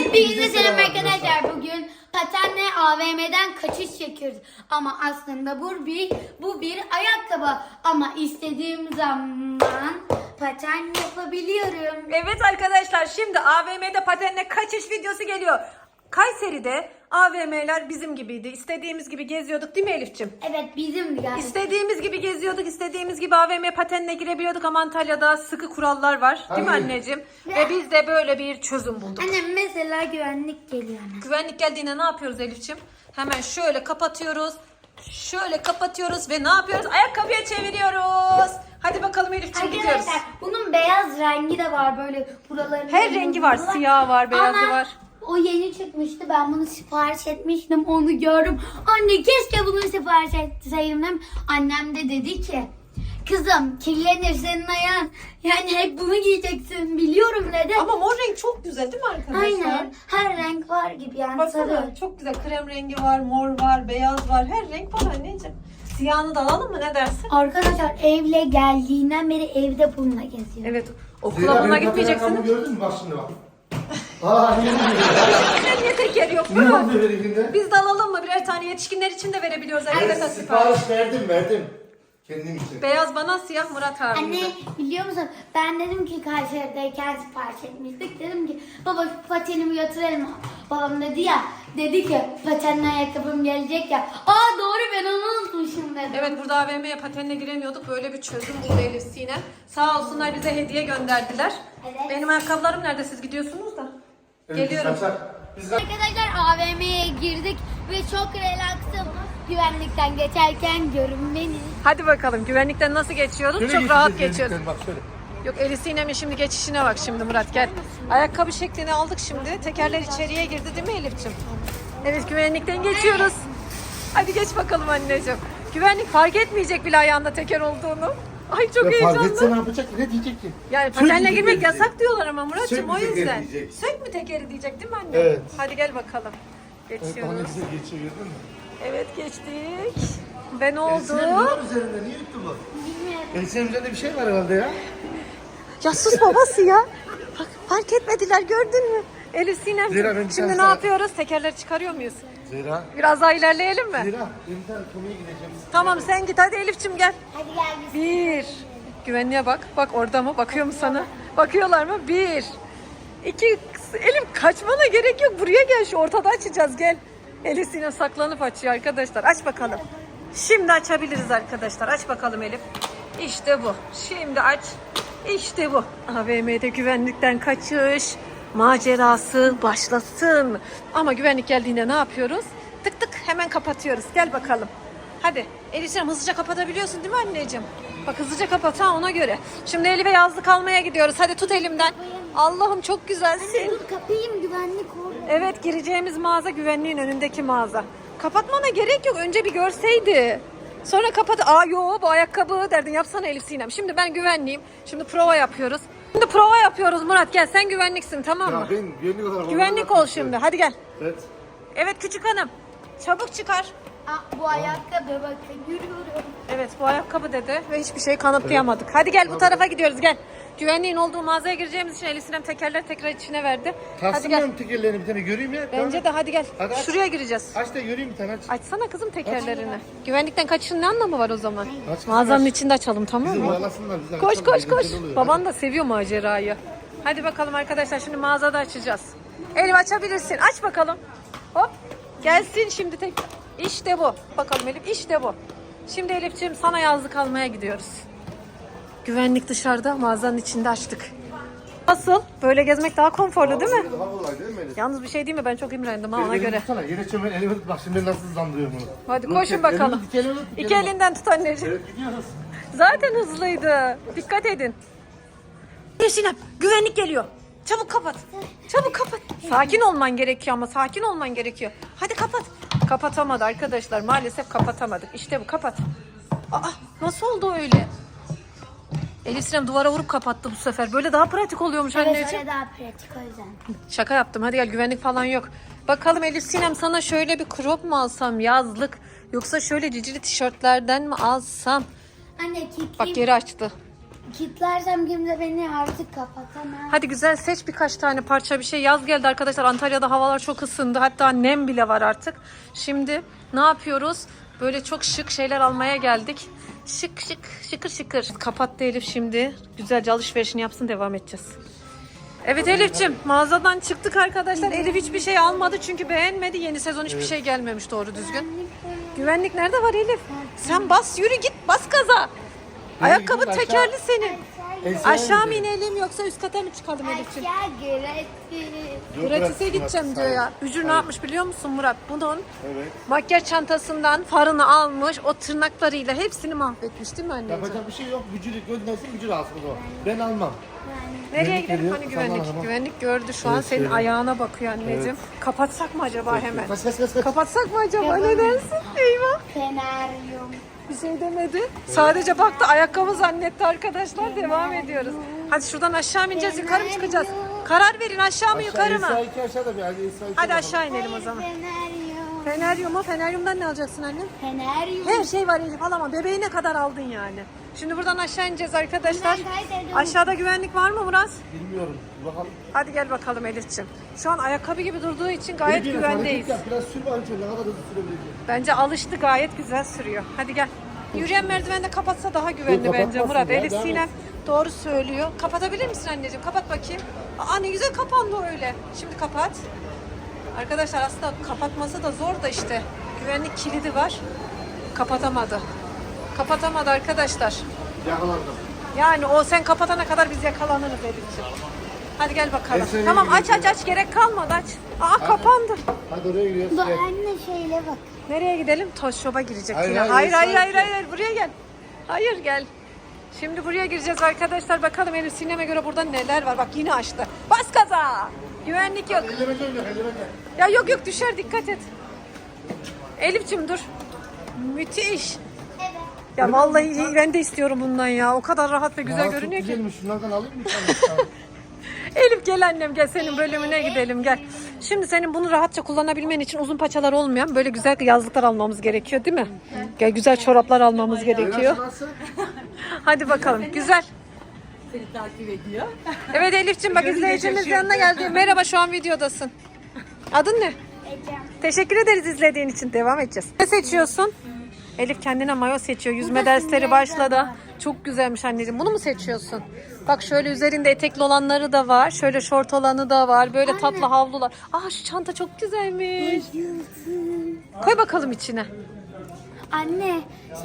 Hepinize selam arkadaşlar. Bugün patenle AVM'den kaçış çekiyoruz. Ama aslında bu bir ayakkabı. Ama istediğim zaman paten yapabiliyorum. Evet arkadaşlar, şimdi AVM'de patenle kaçış videosu geliyor. Kayseri'de AVM'ler bizim gibiydi. İstediğimiz gibi geziyorduk değil mi Elif'ciğim? Evet, bizim yani. İstediğimiz gibi geziyorduk, istediğimiz gibi AVM patenle girebiliyorduk ama Antalya'da sıkı kurallar var. Değil mi anneciğim? Ve biz de böyle bir çözüm bulduk. Annem mesela güvenlik geliyor. Güvenlik geldiğinde ne yapıyoruz Elif'ciğim? Hemen şöyle kapatıyoruz. Şöyle kapatıyoruz ve ne yapıyoruz? Ayakkabıya çeviriyoruz. Hadi bakalım Elif'ciğim, gidiyoruz. Arkadaşlar bunun beyaz rengi de var, böyle buraların. Her rengi var. Siyah var, beyazı Ama var. o yeni çıkmıştı. Ben bunu sipariş etmiştim. Onu gördüm. Anne keşke bunu sipariş etseydim. Annem de dedi ki, kızım kirlenir senin ayağın. Yani hep bunu giyeceksin. Biliyorum dedi. Ama mor renk çok güzel değil mi arkadaşlar? Aynen. Her renk var gibi yani. Baksana, Sarı. çok güzel. Krem rengi var, mor var, beyaz var. Her renk var anneciğim. Siyahını da alalım mı, ne dersin? Arkadaşlar evle geldiğinden beri evde bununla geziyor. Evet. Okula buna gitmeyeceksiniz. Gördün mü bak şimdi bak. Aa Niye teker yok ne mu? oldu verdiğinde? Biz de alalım mı? Birer tane yetişkinler için de verebiliyoruz arkadaşlar sipariş. Sipariş verdim. Kendim için. Beyaz bana, siyah Murat abi. Anne biliyor musun? Ben dedim ki Kayseri'deyken sipariş etmiştik. Dedim ki baba şu patenimi götürelim mi? Babam dedi ki patenle ayakkabım gelecek ya. Aa doğru, ben onu unutmuşum dedim. Evet, burada AVM'ye patenle giremiyorduk. Böyle bir çözüm buldu Elif Sinem. Sağ olsunlar, bize hediye gönderdiler. Evet. Benim ayakkabılarım nerede? Siz gidiyorsunuz da. Evet, Geliyorum. Biz Arkadaşlar AVM'ye girdik ve çok relaxım. Güvenlikten geçerken görün beni. Hadi bakalım, güvenlikten nasıl geçiyoruz? Şöyle Çok rahat geçeceğiz, geçiyoruz. bak şöyle. Yok, Elif Sinem'in şimdi geçişine bak şimdi Murat, gel. Ayakkabı şeklini aldık şimdi. Tekerler içeriye girdi değil mi Elif'ciğim? Evet, güvenlikten geçiyoruz. Hadi geç bakalım anneciğim. Güvenlik fark etmeyecek bile ayağında teker olduğunu. Ay çok Ya heyecanlı. fark etse ne yapacak ki? Ne diyecek ki? Yani Sök patenle mü girmek tekeri yasak diyorlar ama Murat'cığım, Sök mü o tekeri yüzden. diyecek. Sök mü tekeri diyecek değil mi anne? Evet. Hadi gel bakalım. Evet, Geçiyoruz. daha ne güzel geçiyor gördün mü? Evet, geçtik. Ve ne oldu? Elsi'nin ne var üzerinde? Niye yuttu bu? Bilmiyorum. Elsi'nin üzerinde bir şey var herhalde ya. Ya sus babası ya. Bak, fark etmediler, gördün mü? Elif Sinem. Zira ben Şimdi ne sana- yapıyoruz? Tekerleri çıkarıyor muyuz? Zira. Biraz daha ilerleyelim mi? Zira. Bir tane konuya gideceğim. Tamam, sen git hadi Elif'ciğim, gel. Hadi gel biz. Bir. Güvenliğe bak. Bak orada mı? Bakıyor mu sana? Bakıyorlar mı? Bir. İki. Elif kaçmana gerek yok. Buraya gel. Şu ortada açacağız. Gel. Elif Sinem saklanıp açıyor arkadaşlar. Aç bakalım. Şimdi açabiliriz arkadaşlar. Aç bakalım Elif. İşte bu. Şimdi aç. İşte bu. AVM'de güvenlikten kaçış macerası başlasın. Ama güvenlik geldiğinde ne yapıyoruz? Tık tık hemen kapatıyoruz. Gel bakalım. Hadi Elif Sinem, hızlıca kapatabiliyorsun değil mi anneciğim? Bak hızlıca kapat ha, ona göre. Şimdi Elif'e yazlık almaya gidiyoruz. Hadi tut elimden. Allah'ım çok güzelsin. Dur kapayım, güvenlik orada. Evet, gireceğimiz mağaza güvenliğin önündeki mağaza. Kapatmana gerek yok. Önce bir görseydi. Sonra kapat. Aa yo, bu ayakkabı derdin. Yapsana Elif Sinem. Şimdi ben güvenliyim. Şimdi prova yapıyoruz. Şimdi prova yapıyoruz Murat. Gel, sen güvenliksin, tamam mı? Ya ben güvenlik olarak... Güvenlik ol şimdi. Hadi gel. Evet. Evet küçük hanım. Çabuk çıkar. Aa, bu ayakkabı bakın, yürüyorum. Evet, bu ayakkabı dedi ve hiçbir şey kanıtlayamadık. Hadi gel, bu tarafa gidiyoruz, gel. Güvenliğin olduğu mağazaya gireceğimiz için Elif Sinem tekerleri tekrar içine verdi. Hadi Kalsın gel. benim tekerlerini bir tane göreyim ya. Bence de hadi gel. Hadi aç. Şuraya gireceğiz. Aç da göreyim bir tane aç. Açsana kızım tekerlerini. Güvenlikten kaçışın ne anlamı var o zaman? Aç kızım, Mağazanın aç. içinde açalım, tamam Bizi mı? bağlasınlar. Bizi Koş açalım, koş koş. eğlenceli oluyor. Baban da seviyor macerayı. Hadi bakalım arkadaşlar, şimdi mağazada açacağız. Elif açabilirsin. Aç bakalım. Hop. Gelsin şimdi tek. İşte bu. Bakalım Elif, işte bu. Şimdi Elif'ciğim sana yazlık almaya gidiyoruz. Güvenlik dışarıda, mağazanın içinde açtık. Nasıl? Böyle gezmek daha konforlu değil mi? Daha kolay değil mi Elif? Yalnız bir şey değil mi? Ben çok imrendim ha, ona Elimi göre. tutsana. Yine çömel elimi tut. Bak şimdi nasıl hızlandırıyorum bunu. Hadi Dur, koşun elimi bakalım. tut, elimi tut, İki elimi. elinden tut anneciğim. Evet gidiyoruz. Zaten hızlıydı. Dikkat edin. Sinem, güvenlik geliyor. Çabuk kapat. Çabuk kapat. Sakin olman gerekiyor ama, sakin olman gerekiyor. Hadi kapat. Kapatamadı arkadaşlar. Maalesef kapatamadık. İşte bu, kapat. Aa, nasıl oldu öyle? Elif Sinem duvara vurup kapattı bu sefer. Böyle daha pratik oluyormuş Evet, anneciğim. öyle daha pratik o yüzden. Şaka yaptım. Hadi gel, güvenlik falan yok. Bakalım Elif Sinem, sana şöyle bir crop mu alsam, yazlık, yoksa şöyle cicili tişörtlerden mi alsam? Anne kilitli. Bak geri açtı. Kitlersem kimse beni artık kapatamaz. Hadi güzel seç birkaç tane parça bir şey. Yaz geldi arkadaşlar. Antalya'da havalar çok ısındı. Hatta nem bile var artık. Şimdi ne yapıyoruz? Böyle çok şık şeyler almaya geldik. Şık şık şıkır şıkır. Kapattı Elif şimdi. Güzelce alışverişini yapsın, devam edeceğiz. Evet Elif'ciğim, mağazadan çıktık arkadaşlar. Elif hiçbir şey almadı çünkü beğenmedi. Yeni sezon hiçbir şey gelmemiş doğru düzgün. Güvenlik nerede var Elif? Sen bas, yürü git, bas gaza. Ayakkabı gidiyorsun? tekerli senin. Aşağı Aşağı mı inelim yoksa üst kata mı çıkalım Elif'ciğim? Ya güretti. Gratis'e gideceğim diyor ya. Bücür ne yapmış biliyor musun Murat? Bunun Evet. makyaj çantasından farını almış, o tırnaklarıyla hepsini mahvetmiş değil mi anneciğim? Yapacak bir şey yok. Gücülük göndersin, gücül alsın o. Ben almam. Nereye Güvenlik gidelim geliyor, hani sana güvenlik? bakalım. Güvenlik gördü şu an Evet, senin şöyle. ayağına bakıyor anneciğim. Kapatsak mı acaba hemen? Kaç kaç kaç kaç. Kapatsak mı acaba, ne dersin? Eyvah. Feneryum. Bir şey demedi. Sadece baktı, ayakkabı zannetti arkadaşlar. Devam ediyoruz. Hadi şuradan aşağı mı ineceğiz, yukarı mı çıkacağız? Karar verin, aşağı mı yukarı mı? Esra 2 aşağıda bir. Hadi Esra 2 Hadi aşağı inelim o zaman. Feneryum. Feneryum mu? Feneryumdan ne alacaksın annem? Feneryum. Her şey var Elif, alamam. Bebeğine kadar aldın yani. Şimdi buradan aşağı ineceğiz arkadaşlar. Ben kaydediyorum. Aşağıda güvenlik var mı Murat? Bilmiyorum. Bakalım. Hadi gel bakalım Elif'ciğim. Şu an ayakkabı gibi durduğu için gayet Bir güvendeyiz. hareket yap, biraz sür bakayım şöyle, ne kadar hızlı sürebilecek. Bence alıştı, gayet güzel sürüyor. Hadi gel. Yürüyen merdiveni de kapatsa daha güvenli Yok, bence kapatmasın Murat. ya, Elif devam Sinem et. doğru söylüyor. Kapatabilir misin anneciğim? Kapat bakayım. Aa, ne güzel kapandı öyle. Şimdi kapat. Arkadaşlar aslında kapatması da zor da işte. Güvenlik kilidi var. Kapatamadı. Kapatamadı arkadaşlar. Yakalandım. Yani o sen kapatana kadar biz yakalanırız Elif'ciğim. Hadi gel bakalım. Ben seni Tamam aç gidiyorum. aç gerek kalmadı aç. Aa kapandı. Hadi oraya gidiyoruz. Bu Gel. anne şeyle bak. Nereye gidelim? Toz Shop'a girecek Hayır, yine. hayır, Hayır hayır Esra hayır, gel. hayır buraya gel. Hayır gel. Şimdi buraya gireceğiz arkadaşlar. Bakalım Elif Sinem'e göre burada neler var. Bak yine açtı. Bas gaza. Güvenlik yok. Elleme gel, elleme gel. Ya yok yok düşer, dikkat et. Elif'cim dur. Müthiş. Evet. Ya vallahi ben de istiyorum bundan ya. O kadar rahat ve güzel Aa, görünüyor çok ki. güzelmiş. Şunlardan alayım mı sen? Elif gel annem gel, senin bölümüne gidelim gel. Şimdi senin bunu rahatça kullanabilmen için uzun paçalar olmayan böyle güzel yazlıklar almamız gerekiyor değil mi? Gel güzel çoraplar almamız gerekiyor. Nasıl? Hadi bakalım güzel. Seni takip ediyor. Evet Elif'ciğim bak izleyicimiz yanına geldi. Merhaba, şu an videodasın. Adın ne? Ecem. Teşekkür ederiz izlediğin için. Devam edeceğiz. Ne seçiyorsun? Elif kendine mayo seçiyor. Yüzme dersleri başladı. Çok güzelmiş anneciğim. Bunu mu seçiyorsun? Bak şöyle üzerinde etekli olanları da var. Şöyle şort olanı da var. Böyle tatlı havlular. Aa şu çanta çok güzelmiş. Koy bakalım içine. Anne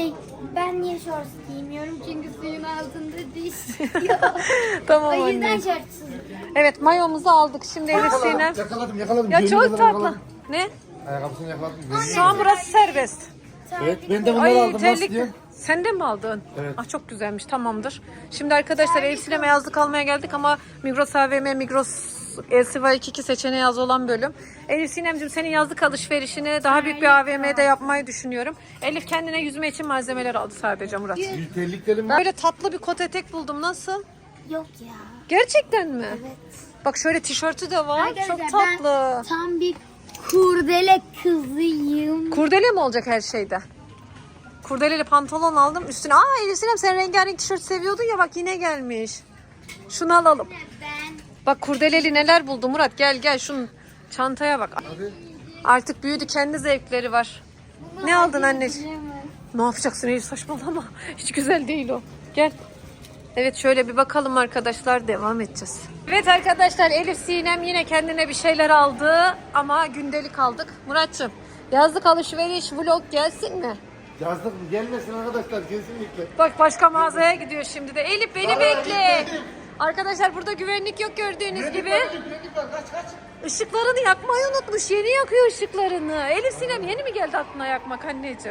ben niye şort giymiyorum çünkü suyun altında diş yok. Tamam O yüzden anne. şortsuz. Evet mayomuzu aldık. Şimdi Elif Sinem. Yakaladım. Ya Görüyor çok musun? tatlı. Yakaladım. Ne? Ayakkabısını yakaladım. Şu an burası serbest. Evet, ben de bunları Ay aldım. Nasıl terlik. diye? Sen de mi aldın? Evet. Ah çok güzelmiş, tamamdır. Şimdi arkadaşlar Elif Sinem'e yazlık almaya geldik ama Migros AVM, Migros LCV 22 seçeneği az olan bölüm. Elif Sinem'cim senin yazlık alışverişini daha büyük bir AVM'de yapmayı düşünüyorum. Elif kendine yüzme için malzemeler aldı sadece Murat. Bir terliklerim var. Böyle tatlı bir kot etek buldum, nasıl? Yok ya. Gerçekten mi? Evet. Bak şöyle tişörtü de var. Arkadaşlar, Çok tatlı. Ben tam bir kurdele kızıyım. Kurdele mi olacak her şeyde? Kurdeleli pantolon aldım üstüne. Aa Elif Sinem sen rengarenk tişört seviyordun ya, bak yine gelmiş. Şunu alalım. Ben Bak kurdeleli neler buldu Murat, gel şunun çantaya bak. Hadi. Artık büyüdü, kendi zevkleri var. Ne aldın anneciğim? bilemem. Ne yapacaksın Elif, saçmalama. Hiç güzel değil o. Gel. Evet şöyle bir bakalım arkadaşlar, devam edeceğiz. Evet arkadaşlar Elif Sinem yine kendine bir şeyler aldı ama gündelik aldık. Murat'cığım yazlık alışveriş vlog gelsin mi? Yazdık mı? Gelmesin arkadaşlar kesinlikle. Bak başka mağazaya gidiyor şimdi de. Elif beni Vallahi bekle. gitmedim. Arkadaşlar burada güvenlik yok gördüğünüz gibi. Güvenlik var, kaç. Işıklarını yakmayı unutmuş. Yeni yakıyor ışıklarını. Elif Sinem yeni mi geldi aklına yakmak anneciğim?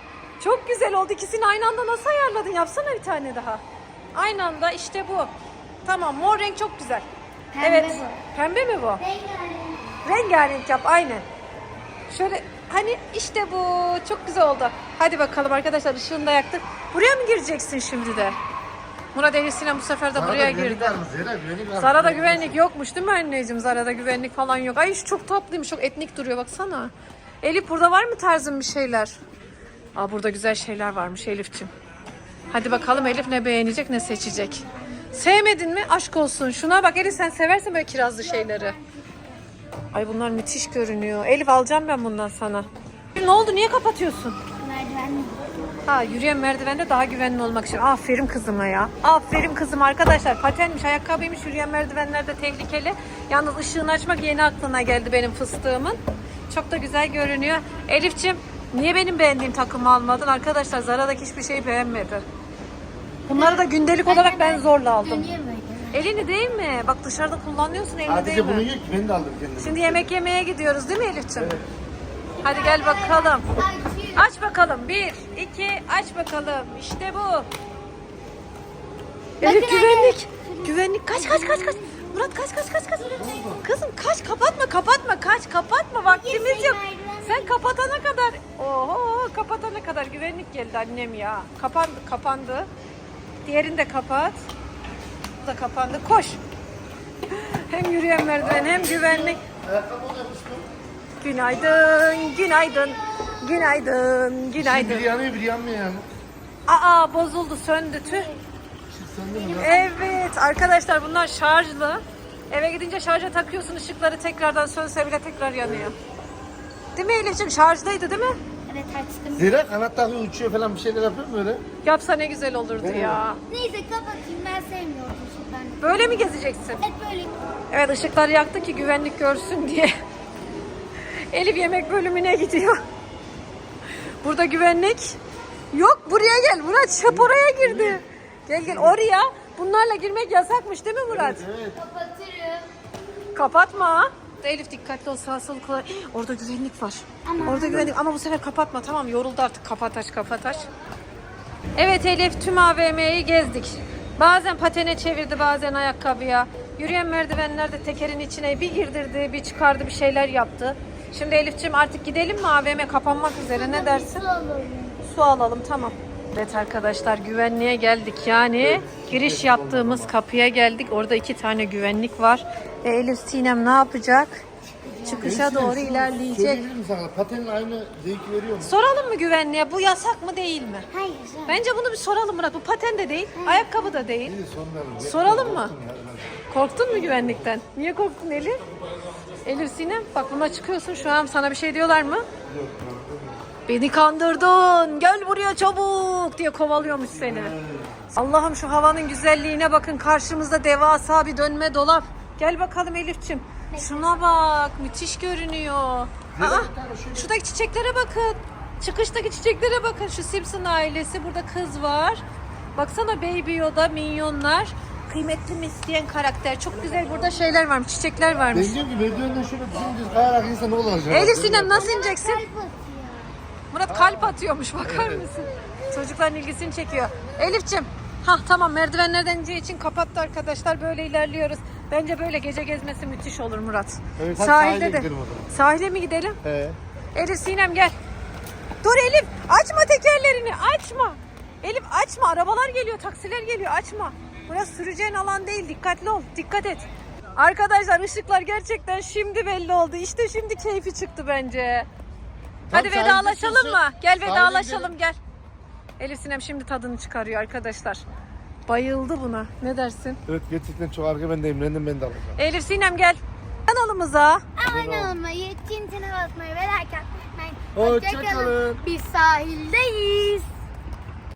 Çok güzel oldu. İkisini aynı anda nasıl ayarladın? Yapsana bir tane daha. Aynı anda işte bu. Tamam, mor renk çok güzel. Pembe evet. bu. Pembe mi bu? Rengarenk. Rengarenk yap aynen. Şöyle hani işte bu çok güzel oldu. Hadi bakalım arkadaşlar, ışığını da yaktık. Buraya mı gireceksin şimdi de? Murat Elif Sinem bu sefer de buraya girdi. Zara'da güvenlik yokmuş değil mi anneciğim? Zara'da güvenlik falan yok. Ay şu çok tatlıymış, çok etnik duruyor baksana. Elif burada var mı tarzın bir şeyler? Aa burada güzel şeyler varmış Elif'ciğim. Hadi bakalım Elif ne beğenecek ne seçecek. Sevmedin mi? Aşk olsun. Şuna bak Elif, sen seversin böyle kirazlı şeyleri. Ay bunlar müthiş görünüyor. Elif alacağım ben bundan sana. Ne oldu? Niye kapatıyorsun? Merdiven mi? Ha, yürüyen merdivende daha güvenli olmak için. Aferin kızıma ya. Aferin kızım arkadaşlar. Patenmiş, ayakkabıymış, yürüyen merdivenlerde tehlikeli. Yalnız ışığını açmak yeni aklına geldi benim fıstığımın. Çok da güzel görünüyor. Elif'ciğim niye benim beğendiğim takımı almadın? Arkadaşlar Zara'daki hiçbir şeyi beğenmedi. Bunları da gündelik olarak ben zorla aldım. Dönüyor böyle. Elini değil mi? Bak dışarıda kullanıyorsun, elini değil Sadece bunu mi? yiyor ki ben de aldım kendime. Şimdi yemek yemeye gidiyoruz değil mi Elif'ciğim? Hadi gel bakalım. Açıyor. Aç bakalım. 1, 2, aç bakalım. İşte bu. Elif Bakın güvenlik. Güvenlik. Kaç. Murat kaç. Kızım kaç, kapatma. Vaktimiz yok. Sen kapatana kadar. Oho, kapatana kadar güvenlik geldi annem ya. Kapandı. Diğerini de kapat. Bu da kapandı. Koş. Hem yürüyen merdiven hem güvenlik. Ayakkabı oynamıştım. Günaydın. Biri yanıyor biri yanmıyor yani. Aa, bozuldu, söndü tüh. Söndü mü lan? Evet arkadaşlar, bunlar şarjlı. Eve gidince şarja takıyorsun, ışıkları tekrardan sönse bile tekrar yanıyor. Değil mi Elif'ciğim? Şarjdaydı değil mi? Evet açtım. Zira kanat takıyor uçuyor falan bir şeyler yapıyor mu öyle? Yapsa ne güzel olurdu ya. Neyse kapatayım, ben sevmiyorum ışıklarını. Böyle mi gezeceksin? Evet böyle. Evet, ışıkları yaktı ki güvenlik görsün diye. Elif yemek bölümüne gidiyor. Burada güvenlik yok. Buraya gel. Murat şap oraya girdi. Gel oraya. Bunlarla girmek yasakmış değil mi Murat? Evet. Kapatırım. Kapatma. Elif dikkatli ol, sağ sol kullan. Orada güvenlik var. Ama- Orada güvenlik, ama bu sefer kapatma, tamam, yoruldu artık, kapat aç. Evet Elif, tüm AVM'yi gezdik. Bazen patene çevirdi, bazen ayakkabıya. Yürüyen merdivenlerde tekerin içine bir girdirdi, bir çıkardı, bir şeyler yaptı. Şimdi Elif'ciğim artık gidelim mi, AVM kapanmak üzere, ne dersin? Su alalım. Su alalım, tamam. Evet arkadaşlar, güvenliğe geldik, yani giriş yaptığımız kapıya geldik. Orada 2 tane güvenlik var. Ve Elif Sinem ne yapacak? Çıkışa doğru ilerleyecek. Söyleyebilir miyim sana? Patenin aynı zevki veriyor mu? Soralım mı güvenliğe, bu yasak mı değil mi? Hayır. Bence bunu bir soralım Murat. Bu paten de değil, ayakkabı da değil. İyi sormayalım. Soralım mı? Korktun mu güvenlikten? Niye korktun Elif? Elif Sinem, bak buna çıkıyorsun şu an, sana bir şey diyorlar mı? Beni kandırdın, gel buraya çabuk diye kovalıyormuş seni. Allah'ım şu havanın güzelliğine bakın, karşımızda devasa bir dönme dolap. Gel bakalım Elif'ciğim. Şuna bak, müthiş görünüyor. Aa, şuradaki çiçeklere bakın. Çıkıştaki çiçeklere bakın. Şu Simpson ailesi, burada kız var. Baksana Baby Yoda, minyonlar. Kıymetli mi isteyen karakter. Çok güzel burada şeyler varmış, çiçekler varmış. Ben diyorum ki merdivenden şöyle dümdüz kayarak insan ne olacak? Elif Sinem nasıl ineceksin? Kalp atıyor. Murat kalp atıyormuş, bakar mısın? Çocukların ilgisini çekiyor. Elif'ciğim, tamam, merdivenlerden ineceği için kapattı arkadaşlar. Böyle ilerliyoruz. Bence böyle gece gezmesi müthiş olur Murat. Evet, hadi Sahilde sahile de. gidelim o zaman. Sahile mi gidelim? He. Elif Sinem gel. Dur Elif, açma tekerlerini, açma. Elif açma, arabalar geliyor, taksiler geliyor, açma. Burası süreceğin alan değil, dikkatli ol, dikkat et. Arkadaşlar ışıklar gerçekten şimdi belli oldu. İşte şimdi keyfi çıktı bence. Hadi Tamam, vedalaşalım sahilde mı? Gel sahile vedalaşalım, gel. Elif Sinem şimdi tadını çıkarıyor arkadaşlar. Bayıldı buna. Ne dersin? Evet gerçekten çok arka ben de imrendim, ben de alacağım. Elif Sinem gel. Kanalımıza Abone olmayı, tintine basmayı ve like atmayı unutmayın. Hoşça kalın. Biz sahildeyiz.